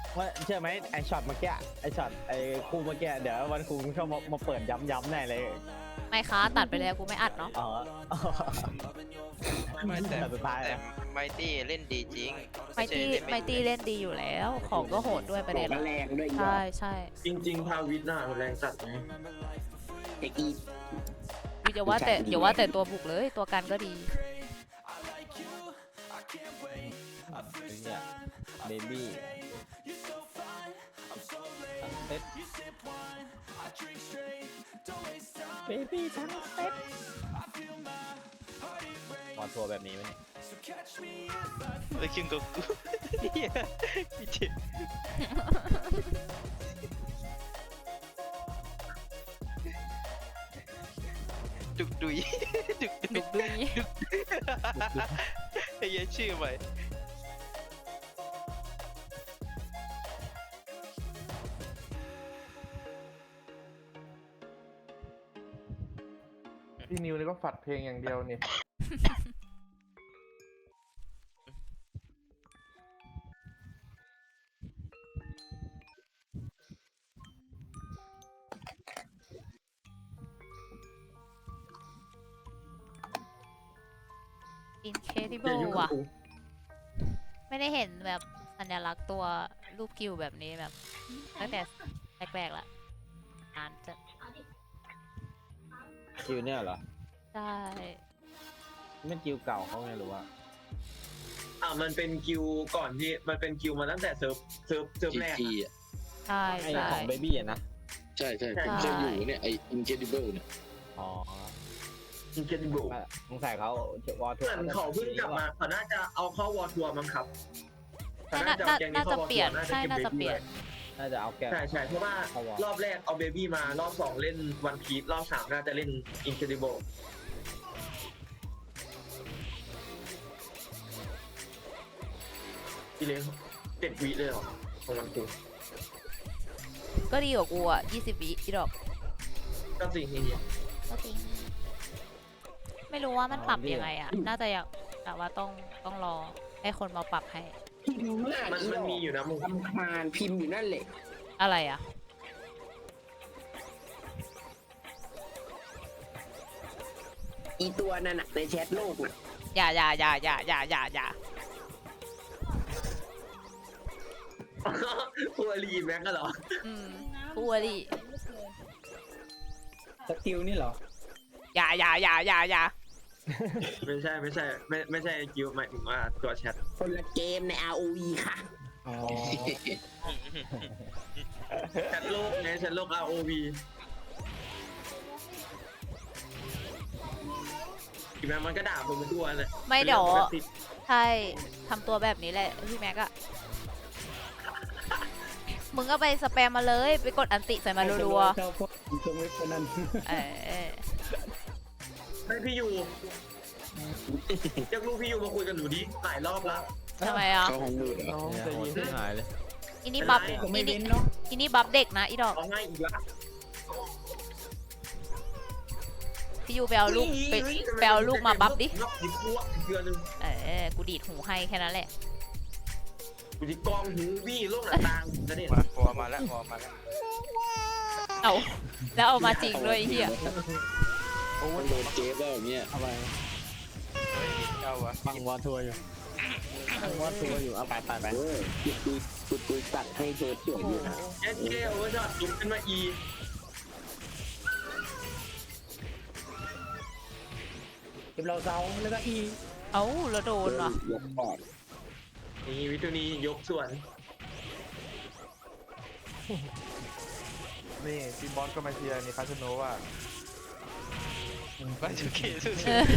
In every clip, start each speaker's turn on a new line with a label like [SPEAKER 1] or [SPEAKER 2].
[SPEAKER 1] ว่าเชื่อไหมไอช็อตเมื่อกี้ไอช็อตไอคู่เมื่อกี้เดี๋ยววันครูชอบมาเปิดย้ำๆแน่เลย
[SPEAKER 2] ไม่คะตัดไปแล้วกูไม่อัดเนาะ
[SPEAKER 1] อ๋อ
[SPEAKER 3] ไม่แต่
[SPEAKER 1] สุดท้าย
[SPEAKER 3] แต่
[SPEAKER 1] นะ
[SPEAKER 3] ไมตี้เล่นดีจริง
[SPEAKER 2] ไมตี้ไมตี้เล่นดีอยู่แล้ว ของก็โหดด้วยประเด็น
[SPEAKER 4] แรงด้วยอีก
[SPEAKER 2] ใช่ใช่
[SPEAKER 5] จริงๆพาวิทน่ะแรงจัดไง
[SPEAKER 4] ไอ้อี
[SPEAKER 2] อย่าว่าแต่อย่าว่าแต่ตัวบุกเลยตัวกันก็ดี
[SPEAKER 1] เนี่ยเบบี้เซ็ตเบบี้ทั้งเซ็ตพอทัวร์แบบนี้ไหมเนี่ย
[SPEAKER 3] ไปคิงกับกูเหี้ยพี่เจ็บดุกดุยดุกดุ
[SPEAKER 2] ดุ
[SPEAKER 3] ย
[SPEAKER 2] กดุย
[SPEAKER 3] ไอ้เหี้ยชื่อใหม่
[SPEAKER 6] พี่นิวนี่ก็ฝัดเพลงอย่างเดียวนี่
[SPEAKER 2] อินเคดิเบิลว่ะ ไม่ได้เห็นแบบสัญลักษณ์ตัวรูปกิวแบบนี้แบบตั้งแต่แรกๆละนานจะ
[SPEAKER 1] คิวเนี่ยเหรอ
[SPEAKER 2] ใช่
[SPEAKER 1] ไม่คิวเก่าเขาไงหรือว่า
[SPEAKER 5] มันเป็นคิวก่อนที่มันเป็นคิวมาตั้งแต่เซิร์ฟแรก
[SPEAKER 7] GT อ่ะ
[SPEAKER 2] ใช่
[SPEAKER 1] ไอ
[SPEAKER 2] ใช่
[SPEAKER 1] ของเบบี้อะนะ
[SPEAKER 7] ใช่ใช่
[SPEAKER 5] ใช่
[SPEAKER 7] ผมเคยอยู่เนี่ยไอ้ Incredible เนี่ย
[SPEAKER 1] อ๋อ
[SPEAKER 5] อินเกติบุ
[SPEAKER 1] สงสัยเขาวอลทัว
[SPEAKER 5] เหมือนเขาเพิ่งกลับมาเขาน่าจะเอาเข้าวอร์ทัวร์มั้งครับเขา
[SPEAKER 2] น่า
[SPEAKER 5] เอาแกง
[SPEAKER 2] น่า
[SPEAKER 5] เข้
[SPEAKER 2] จะ
[SPEAKER 5] วอร์
[SPEAKER 2] เปลี่ยน
[SPEAKER 5] ทัวร์
[SPEAKER 2] ใช่น่าจะ
[SPEAKER 5] ก็บ
[SPEAKER 2] เปลี่ยน
[SPEAKER 1] น่าจะเอาแก
[SPEAKER 5] ใช่ใช่เพราะว่า
[SPEAKER 1] เข้าวอร์
[SPEAKER 5] รอบแรกเอาเบบี้มารอบสองเล่นวันพีซรอบสามน่าจะเล่นอินเคดิเบิลพี่เลี้ยง7 วิเลยเหรอของมันคือ
[SPEAKER 2] ก็ดีกว่ากูอ่ะ20 วิอีดอก
[SPEAKER 5] ก็สิ่งนี้
[SPEAKER 2] ก็จริงไม่รู้ว่ามันปรับยังไงอ่ะ น่าจะอยากแต่ว่าต้องรอให้คนมาปรับให้
[SPEAKER 4] พิมพ์มาก
[SPEAKER 5] มัน
[SPEAKER 4] อี
[SPEAKER 5] มันมีอยู่นะมึง
[SPEAKER 4] ทำคาญพิมพ์อยู่นั่นแหละ
[SPEAKER 2] อะไรอ่ะ
[SPEAKER 4] อีตัวนั่นน่ะในแชทโลกน่ะ
[SPEAKER 2] อย่า
[SPEAKER 5] คัวรีแม็กก็เหรอ
[SPEAKER 2] อืมพูดดิ
[SPEAKER 8] สกิลนี่เหรอ
[SPEAKER 2] อย่า
[SPEAKER 5] ไม่ใช่ไม่ใช่กิวหมายถึงว่าตัวแชท
[SPEAKER 4] คนละเกมใน ROV ค่ะ
[SPEAKER 8] อ๋อ
[SPEAKER 5] แชทโลกไงแชทโลก ROV อีแม็กมันก็ด่าผมมาทั่วเลย
[SPEAKER 2] ไม่เดี๋ยวใช่ทำตัวแบบนี้แหละพี่แม็กอะมึงก็ไปสแปมมาเลยไปกดอันติใส่มารัว
[SPEAKER 8] ชอบพวกตรงเว็บพนัน
[SPEAKER 2] ๆเออ
[SPEAKER 5] ไม่พี่ยูอยากรู้พี่ยูมาคุยกับหนูดิหลายรอบแล้ว
[SPEAKER 2] ทำไมอ่ะ
[SPEAKER 7] เข้าห้องมืดเหรอ
[SPEAKER 6] น้อง
[SPEAKER 1] เนี่ย
[SPEAKER 6] ใจ
[SPEAKER 1] โห
[SPEAKER 6] เย็น
[SPEAKER 1] ที่หายเลย
[SPEAKER 2] อินี่บัฟ
[SPEAKER 8] ก็ไม่
[SPEAKER 2] อิ
[SPEAKER 8] เว้
[SPEAKER 2] นี่
[SPEAKER 8] นเนาะ
[SPEAKER 2] อินี่บัฟเด็กนะอีดอก
[SPEAKER 5] เอาง่ายอีกละ
[SPEAKER 2] พี่ยูไปเอาลูกไปเอาลูกมาบัฟดิ
[SPEAKER 5] นอกดิพวกเดือนนึง
[SPEAKER 2] เออกูดีดหูให้แค่นั้นแหละ
[SPEAKER 5] กูจะกองหูวี่โลกหน้าต่างจะเนี่ย
[SPEAKER 3] มาหัวมาแล้วหัวมาแล้ว
[SPEAKER 2] เอาแล้วเอามาจริงด้วยไอ้เฮีย
[SPEAKER 7] มันโดนเจ๊แล้วอย่างเงี้ย
[SPEAKER 1] อะไร
[SPEAKER 3] เฮ้ยเจ้าวะ
[SPEAKER 1] ฟังวอลทัวร์อยู่ฟังวอลทัวร์อยู่เอาไป
[SPEAKER 7] เออคุยตัดให้เธอเฉยอยู่นะ
[SPEAKER 5] เอสเคโอเวอร์ช็อตลุกขึ้นมาอี
[SPEAKER 8] เก็บเราเซาแล้วก็อี
[SPEAKER 2] เอาแล้วโดนว่ะ
[SPEAKER 7] ยกปอด
[SPEAKER 5] นี่วิทูนียกส่วน
[SPEAKER 6] นี่พี่บอสก็มาเชียร์นี่คาสโนว่า
[SPEAKER 3] มาจุเกสุด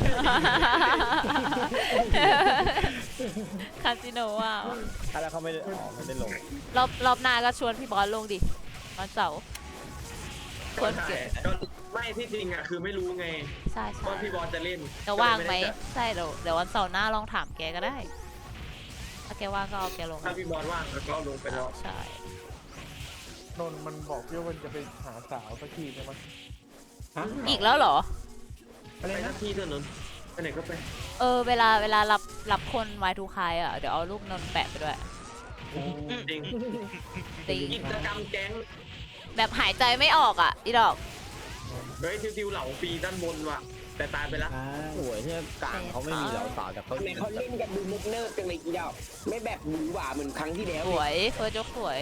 [SPEAKER 2] คาสิโนอ่ะ
[SPEAKER 1] แล้วเขาไม่ได้ไม่ได้ลง
[SPEAKER 2] รอบหน้าก็ชวนพี่บอลลงดิวันเสาร์คนเก่ง
[SPEAKER 5] ก็ไม่ที่จริงอ่ะคือไม่รู้ไง
[SPEAKER 2] ใช่
[SPEAKER 5] ว่าพี่บอลจะเล่น
[SPEAKER 2] จะว่างไหม
[SPEAKER 5] ก็เลยด้จัด
[SPEAKER 2] ใช่เดี๋ยววันเสาร์หน้าลองถามแกก็ได้ ถ้าแกว่างก็เอาแกลง
[SPEAKER 5] ถ้าพี่บอลว่างแล้วก็เอาลงไปแล้ว
[SPEAKER 2] ใช่
[SPEAKER 6] นนท์มันบอกพี่ว่ามันจะไปหาสาวสักทีใช่ไหม
[SPEAKER 8] ฮะ
[SPEAKER 2] อีกแล้วเหรอ
[SPEAKER 8] อะไร
[SPEAKER 5] ไปห
[SPEAKER 8] นะ
[SPEAKER 5] น้าที่ถนนไปไหนก็ไป
[SPEAKER 2] เวลารับคนไม้ทูคายอ่ะเดี๋ยวเอารูปนนท์แปะไปด้วย
[SPEAKER 5] จริง
[SPEAKER 2] จริง
[SPEAKER 5] กิจกรรมแก๊ง
[SPEAKER 2] แบบหายใจไม่ออกอ่ะอีดอก
[SPEAKER 5] เฮ้ยทิวๆเหล่าฟรีด้านบนว่ะ แต่ตายไปแล้ว
[SPEAKER 1] สวยที่กลางเขาไม่มีเหล่าสาวแต่เขา
[SPEAKER 4] ทำไมเขาเล่นกันดูมุกเนิร์ดจังเลยอีดอกไม่แบบหวือหวาเหมือนครั้งที่แล้ว
[SPEAKER 2] สวยเฟิร์สยกสวย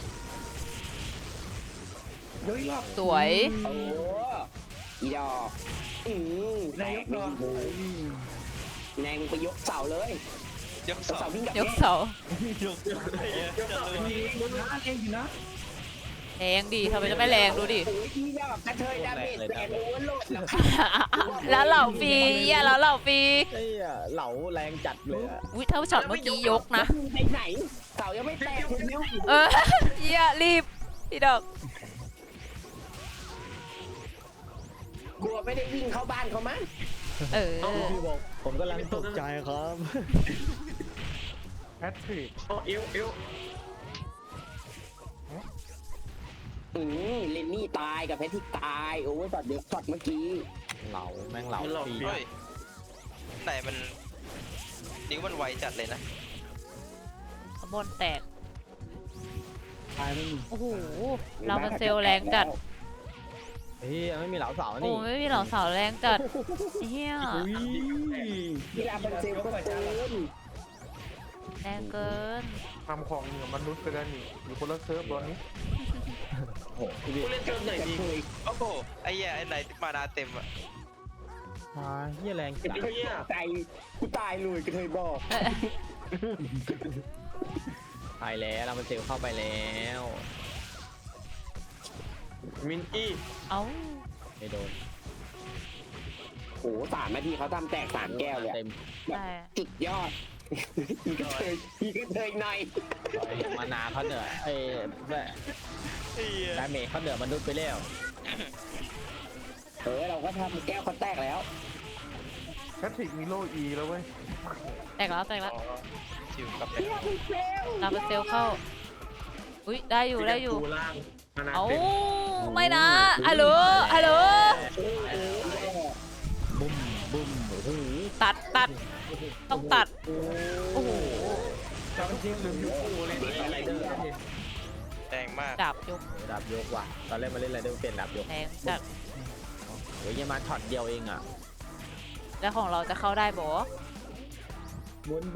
[SPEAKER 8] เฮ้ยรอบ
[SPEAKER 2] สวย
[SPEAKER 4] โอ้อีดอกแร
[SPEAKER 8] นาย
[SPEAKER 4] ง
[SPEAKER 8] กรอบ
[SPEAKER 4] แรงไปยกเสาเลย
[SPEAKER 3] ยกสอง
[SPEAKER 4] เสาวิ่งกับ
[SPEAKER 2] ยกเสาย
[SPEAKER 3] กไอ้เหี้ย
[SPEAKER 8] มีนะเองอยู่นะ
[SPEAKER 2] แรงดีทำไมจะไม่แรงดูดิ
[SPEAKER 4] โอ้ยอีดอกกระเทยดาเมจแรงโอเวอร์โหลดแล้วค่ะ
[SPEAKER 2] แล้วเหล่าฟรีอ่ะแล้วเหล่าฟรี
[SPEAKER 1] ไอ้เหล่าแรงจัดเลยอะ
[SPEAKER 2] อุ้ยเท่าช็อตเมื่อกี้ยกนะ
[SPEAKER 4] ไปไหนเสายังไม่แตกเห็นไหม
[SPEAKER 2] เออเหี้ยรีบอีดอก
[SPEAKER 4] กลัวไม่ได้วิ่งเข้าบ้านเขามั้ง
[SPEAKER 2] เออ
[SPEAKER 1] พี่บอกผมกำลังตกใจครับ
[SPEAKER 6] แพทริก
[SPEAKER 5] อ๋อเอว
[SPEAKER 4] เลนนี่ตายกับแพทริกตายโอ้ยช็อตเดียวช็อตเมื่อกี้
[SPEAKER 1] เหล่าแม่งเหล่าฟรี
[SPEAKER 3] เฮ้ยไหนมันนิ้วมันไวจัดเลยนะ
[SPEAKER 2] ขบวนแตก
[SPEAKER 8] ตายไม่มี
[SPEAKER 2] โอ้โหเรามันเซลแรงจัด
[SPEAKER 1] เฮ้ยไม่มีเหล่าสาว
[SPEAKER 2] โอ้
[SPEAKER 1] นี่
[SPEAKER 2] ไม่มีเหล่าสาวแรงจัดเฮีย
[SPEAKER 4] กีฬาบันเซลก็เกิน
[SPEAKER 2] แรงเกิน
[SPEAKER 6] ทำของเหนือมนุษย์ไปแล้วนี่อยู่คนละเซิร์ฟตอนนี้
[SPEAKER 1] โอ้โหพี่
[SPEAKER 5] ผู้เล่นเชิญไหนดี
[SPEAKER 3] โอ้โหไอ้เหี้ยไอ้ไหนมานาเต็มอะ
[SPEAKER 1] เฮียแรงจัด
[SPEAKER 5] ไอ้เหี้ย
[SPEAKER 4] ใจกูตายเลยกระเทยบอก
[SPEAKER 1] ไปแล้วเรามันเซลเข้าไปแล้ว
[SPEAKER 5] มินอี้
[SPEAKER 2] เอ้า
[SPEAKER 1] ไม่โดน
[SPEAKER 4] โอ้3 นาทีเขาทำแตก3 แก้วเลย
[SPEAKER 1] เต็ม
[SPEAKER 2] ใช่
[SPEAKER 4] สุดยอดอีกระเทยหน่อย
[SPEAKER 1] มานาเขาเหนือไอ้แม่ดาเมจเขาเหนือมนุษย์ไปแล้ว
[SPEAKER 4] เราก็ทำแก้วเขาแตกแล้ว
[SPEAKER 6] แพทริกมีโลอีแล้วเว้ย
[SPEAKER 2] แตกแล้วแตกแล้ว
[SPEAKER 3] ชิวกลับไป
[SPEAKER 2] เราเป็นเซลเข้าอุ้ยได้อยู่ได้อยู่
[SPEAKER 5] กูล่างมานา
[SPEAKER 2] เอ้า
[SPEAKER 5] เต็ม
[SPEAKER 2] ไม่นะฮัลโหลฮัลโหล
[SPEAKER 1] บุ้มบุ้มโอ้โห
[SPEAKER 2] ตัดต้องตัดโอ้โห
[SPEAKER 8] จำจริงหรืออยู่คู่เลยนี่อะไรเด้อ
[SPEAKER 3] แรงมาก
[SPEAKER 2] ดาบยก
[SPEAKER 1] ดาบยกว่ะตอนแรกมาเล่นอะไรเดิมเปลี่ยนดาบยก
[SPEAKER 2] แรงจัด
[SPEAKER 1] โอ้ยยังมาช็อตเดียวเองอ่ะ
[SPEAKER 2] แล้วของเราจะเข้าได้บ่
[SPEAKER 8] บุญ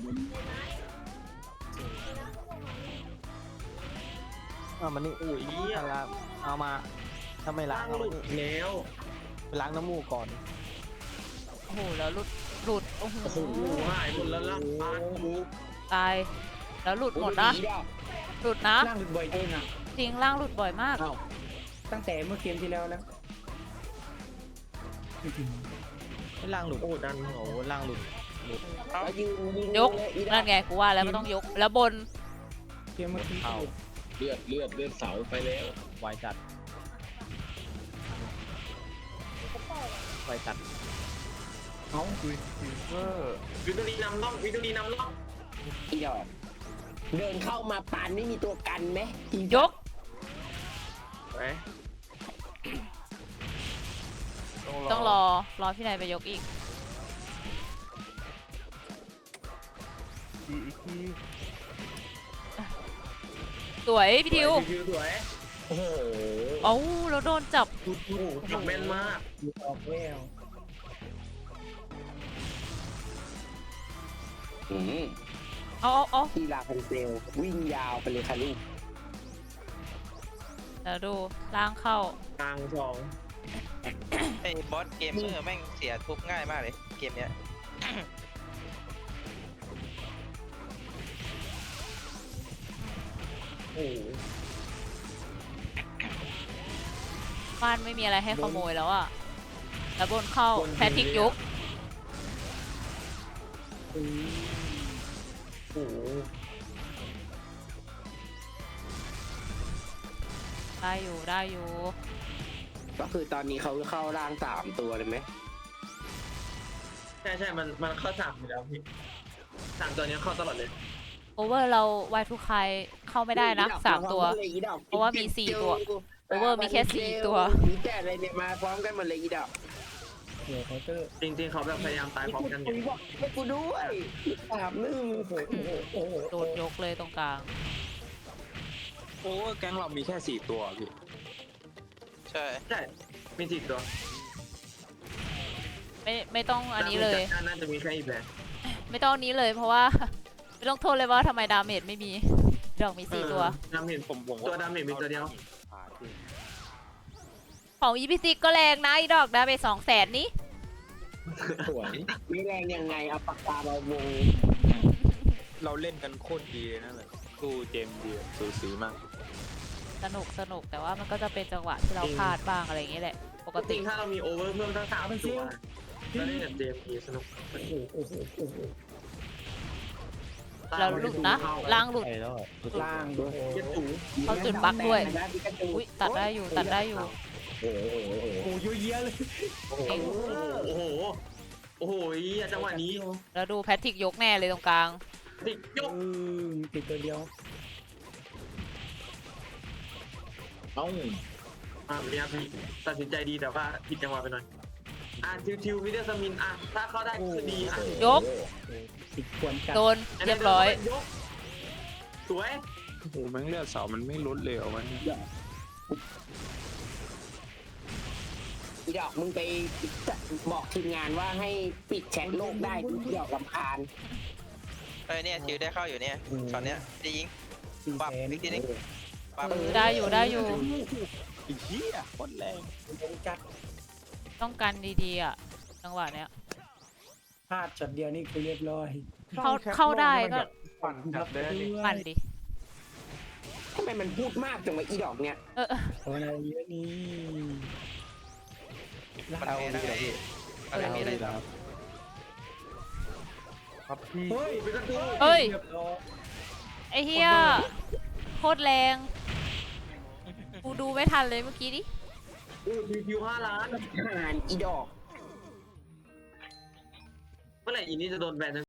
[SPEAKER 1] มันนี่อุ้ยเอามาถ้าไม่ล้า
[SPEAKER 5] ล่าง ง
[SPEAKER 1] เอา
[SPEAKER 5] หลุ
[SPEAKER 1] มา
[SPEAKER 5] ด
[SPEAKER 1] นี่
[SPEAKER 5] แล้ว
[SPEAKER 1] ไปล้างน้ำมูกก่อน
[SPEAKER 2] โอ้โหแล้วหลุดโอ้โห
[SPEAKER 5] โอ้โหหายหมดแล้วล่างบ้านกู
[SPEAKER 2] ตายแล้วหลุดหมดนะหลุดนะ
[SPEAKER 8] นั่งหลุดบ่อยจริงอ่ะ
[SPEAKER 2] จริงล่างหลุดบ่อยมาก
[SPEAKER 8] ตั้งแต่เมื่อเกมที่แล้วแล้ว
[SPEAKER 1] ไม่ล้างหลุด
[SPEAKER 5] โอ้ดัน
[SPEAKER 1] โอ้โหล้างหลุด
[SPEAKER 4] แล้วยืน
[SPEAKER 2] ยกนั่นไงกูว่าแล้วมันต้องยกแล้วบน
[SPEAKER 8] เกมเมื่อกี้
[SPEAKER 1] เข้า
[SPEAKER 7] เลือดเสาไปแล้ว
[SPEAKER 1] ไวจัดไวจัด
[SPEAKER 6] เอ้าดูฟิวเซอร์
[SPEAKER 5] วิตอรีนำล่องวิตอรีนำล่อง
[SPEAKER 4] อีดอกเดินเข้ามาปานไม่มีตัวกันไหม
[SPEAKER 2] ยก
[SPEAKER 5] ไป
[SPEAKER 2] ต้องรอพี่นายไปยกอีก
[SPEAKER 6] อีกที
[SPEAKER 2] สวยพี่ทิว
[SPEAKER 5] ทิวสวย
[SPEAKER 1] โอ้โห
[SPEAKER 2] เอ้าแล้วโดนจับ
[SPEAKER 5] โอ้โหจับแม่นมาก
[SPEAKER 8] อยู่ออกแวว
[SPEAKER 2] เอา
[SPEAKER 4] กีฬาพันเซลวิ่งยาวไปเลยค่ะลูก
[SPEAKER 2] เดี๋ยวดูล่างเข้าก
[SPEAKER 5] ลางสอง
[SPEAKER 3] ไอ้บอสเกมเมอร์แม่งเสียทุบง่ายมากเลยเกมเนี้ย
[SPEAKER 5] โอ้โห
[SPEAKER 2] บ้านไม่มีอะไรให้ขโมยแล้วอะแล้วบนเข้าแพทริกยก
[SPEAKER 5] โอ้โห
[SPEAKER 2] ได้อยู่
[SPEAKER 4] ก็คือตอนนี้เขาเข้าร่าง3 ตัวเลยไหม
[SPEAKER 5] ใช่มันเข้าสามอยู่แล้วพี่สามตัวนี้เข้าตลอดเลย
[SPEAKER 2] โอเวอร์เราไวทุกใครเข้าไม่ได้นะ3 ตัว เพราะว่ามี4 ตัว โอเวอร์มีแค่4 ตัว
[SPEAKER 4] มีแต่อะไรเนี่ยมาพร้อมกันหมดเลยอีดอก
[SPEAKER 1] ม
[SPEAKER 8] หัวเคาน์เตอร์
[SPEAKER 5] จริงๆเขาแบบพยายามตายพร้อมกันอยู่
[SPEAKER 4] บอกให้กูด้วย3-1
[SPEAKER 8] โอ้โห
[SPEAKER 2] โดนยกเลยตรงกลาง
[SPEAKER 7] โอ้แก๊งเรามีแค่4ตัวพี่
[SPEAKER 3] ใช่
[SPEAKER 5] ใช่มี4ตัว
[SPEAKER 2] ไม่ต้องอันนี้เลย
[SPEAKER 5] แต่น่าจะมีแค่อีแบน
[SPEAKER 2] ไม่ต้องอันนี้เลยเพราะว่า ไม่ต้องโทษเลยว่าทำไมดาเมจไม่มีดอกมี4 ตัว
[SPEAKER 5] ดาเมจ
[SPEAKER 7] ผม
[SPEAKER 5] ตัวดาเมจมีตัวเดียว
[SPEAKER 2] ของ EPC ก็แรงนะอีดอกดาเมจ200,000นี้
[SPEAKER 7] สวย
[SPEAKER 4] ไม่แรงยังไงเอาปากกามาวง
[SPEAKER 7] เราเล่นกันโคตรดีนั่นแหละสู้เจมส์ดีสูสีมาก
[SPEAKER 2] สนุกแต่ว่ามันก็จะเป็นจังหวะที่เราพลาดบ้างอะไรอย่างเงี้ยแหละ ปก
[SPEAKER 5] จ
[SPEAKER 2] ติ
[SPEAKER 5] ริงๆถ้าเรามีโอเวอร์เพิ่มทั้ง3ตัวแล้วเล่นกับเจมสนุก
[SPEAKER 8] โอ้โหโอ้โห
[SPEAKER 2] เราหลุดนะล่างหลุด
[SPEAKER 1] ไอ้แล้ว
[SPEAKER 8] ล่าง
[SPEAKER 5] เจ็ดสูง
[SPEAKER 2] เขาจุดบั๊กด้วย
[SPEAKER 4] นะพี่กระจู
[SPEAKER 2] อุ้ยตัดได้อยู่
[SPEAKER 8] โอ้โหเยอะแยะเลย
[SPEAKER 5] โอ้โหโอ้โหโอ้โหจังหวะนี้
[SPEAKER 2] แล้วดูแพทริกยกแน่เลยตรงกลาง
[SPEAKER 5] ติดยก
[SPEAKER 8] ติดตัวเดียว
[SPEAKER 1] เอ้า
[SPEAKER 5] เนี่ยพี่ตัดสินใจดีแต่ว่าผิดจังหวะไปหน่อยทิววิเดอร์สมินถ้าเข้าได้คือดี
[SPEAKER 2] ยก
[SPEAKER 8] ติดควรจัด
[SPEAKER 2] โดนเรียบร้อย
[SPEAKER 5] ยกสวย
[SPEAKER 7] โอ้โหแม่งเลือดเสามันไม่ลดเลยเหรอวะเนี่ย
[SPEAKER 4] อีดอกมึงไปบอกทีมงานว่าให้ปิดแชทโลกได้ดูที่ดอกลำคาญ
[SPEAKER 3] เอ้ยเนี่ยจิวได้เข้าอยู่เนี่ยช็อตเนี้ยจะยิง
[SPEAKER 8] 400,000
[SPEAKER 3] ปับอีกทีนึงปับ
[SPEAKER 2] ได้อยู่
[SPEAKER 7] ไอ้เหี้ยโคตรแรง
[SPEAKER 8] จัด
[SPEAKER 2] ต้องกันดีๆอ่ะ จังหวะเนี้ย
[SPEAKER 8] พลาดช็อตเดียวนี่คือเรียบร้อย
[SPEAKER 2] เข้าได้ก็
[SPEAKER 6] ปั่นจับได้ดิ
[SPEAKER 2] ปั่นดิ
[SPEAKER 4] ทำไมมันพูดมากจังวะอีดอกเนี่ย
[SPEAKER 8] โอ้ยอะไรเยอะนี่
[SPEAKER 3] มันแพ้ได้อะไรมีอะไร
[SPEAKER 6] ครับพี่
[SPEAKER 5] เฮ้ยเป็นกระตู
[SPEAKER 2] เฮ้ย
[SPEAKER 8] เรียบร้อย
[SPEAKER 2] ไอ้เฮียโคตรแรง กูดูไม่ทันเลยเมื่อกี้ดิ
[SPEAKER 5] ทิว5 ล้าน
[SPEAKER 4] หานอีดอก
[SPEAKER 5] เมื่อไหร่อีนี่จะโดนแบน